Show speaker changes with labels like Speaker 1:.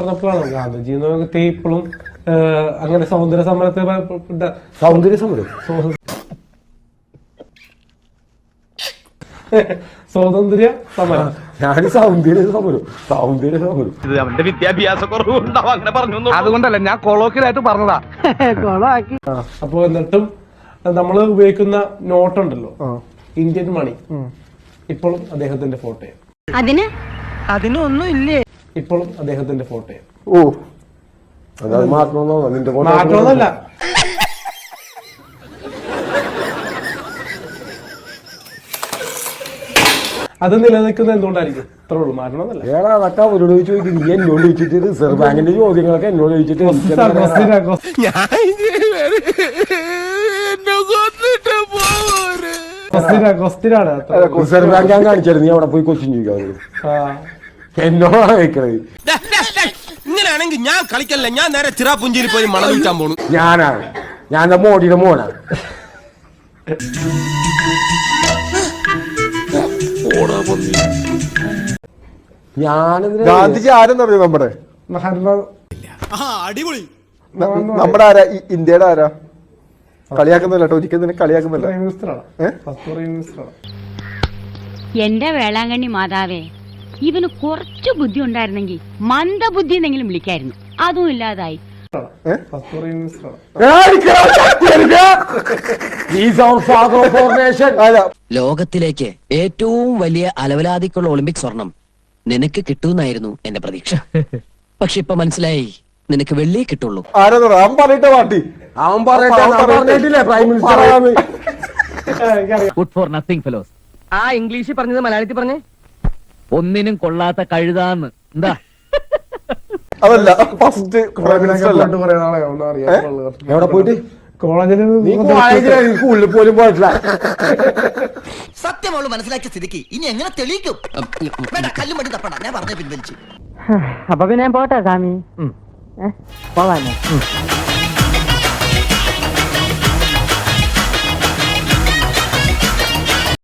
Speaker 1: പറഞ്ഞപ്പോഴാണ് ഗാന്ധിജി എന്ന് പറഞ്ഞിട്ട് ഇപ്പോഴും അങ്ങനെ സൗന്ദര്യ സമരത്തെ സ്വാതന്ത്ര്യ സമരം
Speaker 2: അവന്റെ വിദ്യാഭ്യാസ കുറവുണ്ടാവും അങ്ങനെ പറഞ്ഞു.
Speaker 3: അതുകൊണ്ടല്ല ഞാൻ കൊളോക്കിലായിട്ട് പറഞ്ഞതാ.
Speaker 1: അപ്പൊ എന്നിട്ടും നമ്മൾ ഉപയോഗിക്കുന്ന നോട്ടുണ്ടല്ലോ, ഇന്ത്യൻ മണി, ഇപ്പോഴും അദ്ദേഹത്തിന്റെ ഫോട്ടോയാണ്.
Speaker 4: അതിനൊന്നും ഇല്ലേ?
Speaker 1: ഇപ്പോഴും അദ്ദേഹത്തിന്റെ ഫോട്ടോയാണ്.
Speaker 5: ഓ, അതായത്
Speaker 1: മാറ്റമൊന്നുമല്ല. അത് നിലനിൽക്കുന്നത് എന്തുകൊണ്ടായിരിക്കും? ഇത്രേ ഉള്ളൂ, മാറ്റണമെന്നല്ല.
Speaker 5: അതൊക്കെ അവരോട് ചോദിക്കും. നീ എന്നോട് ചോദിച്ചിട്ട് റിസർവ് ബാങ്കിന്റെ ചോദ്യങ്ങളൊക്കെ എന്നോട് ചോദിച്ചിട്ട് റിസർവ് ബാങ്ക് ഞാൻ കാണിച്ചായിരുന്നു. നീ അവിടെ പോയി ക്വസ്റ്റ്യൻ ചോദിക്കാം. എന്നോടാണ് ചോദിക്കണത്.
Speaker 2: ഇങ്ങനെയാണെങ്കിൽ ഞാൻ കളിക്കല്ല, ഞാൻ നേരെ ചിറാപുഞ്ചിയിൽ പോയി മണം വിൽക്കാൻ പോണു.
Speaker 5: ഞാൻ മോഡിയുടെ മോനാണ്. ഗാന്ധിജി ആരെന്നറിയോ? നമ്മുടെ
Speaker 2: അടിപൊളി.
Speaker 5: നമ്മുടെ ആരാ? ഇന്ത്യയുടെ ആരാ? കളിയാക്കുന്നില്ല കേട്ടോ, ഒരിക്കലും നിന്നെ കളിയാക്കുന്നില്ല.
Speaker 6: എന്റെ വേളാങ്കണ്ണി മാതാവേ, ഇവന് കുറച്ചു ബുദ്ധി ഉണ്ടായിരുന്നെങ്കിൽ മന്ദബുദ്ധി എന്നെങ്കിലും വിളിക്കായിരുന്നു. അതും ഇല്ലാതായി.
Speaker 7: ലോകത്തിലേക്ക് ഏറ്റവും വലിയ അലവലാതിക്കുള്ള ഒളിമ്പിക് സ്വർണം നിനക്ക് കിട്ടൂന്നായിരുന്നു എന്റെ പ്രതീക്ഷ. പക്ഷെ ഇപ്പൊ മനസ്സിലായി, നിനക്ക് വെള്ളിയെ കിട്ടുള്ളൂ.
Speaker 5: അവൻ പറയട്ടെ പാർട്ടി, അവൻ പറഞ്ഞിട്ടില്ലേ prime minister.
Speaker 3: Good for nothing fellows.
Speaker 4: ആ ഇംഗ്ലീഷിൽ പറഞ്ഞത് മലയാളത്തിൽ പറഞ്ഞേ.
Speaker 3: ഒന്നിനും കൊള്ളാത്ത കഴുതാന്ന്. എന്താ
Speaker 5: അതല്ല ഫസ്റ്റ് എവിടെ പോയിട്ട് കോളേജിൽ സ്കൂളിൽ പോലും പോയിട്ടില്ല.
Speaker 7: സത്യം അവള് മനസ്സിലാക്കിയ സ്ഥിതിക്ക് ഇനി എങ്ങനെ തെളിയിക്കും? കല്ലും മട്ടി തപ്പണ്ട, ഞാൻ പറഞ്ഞ പിൻവലിച്ചു.
Speaker 4: അപ്പൊ പിന്നെ പോട്ടെ സ്വാമി. പോവാനേ.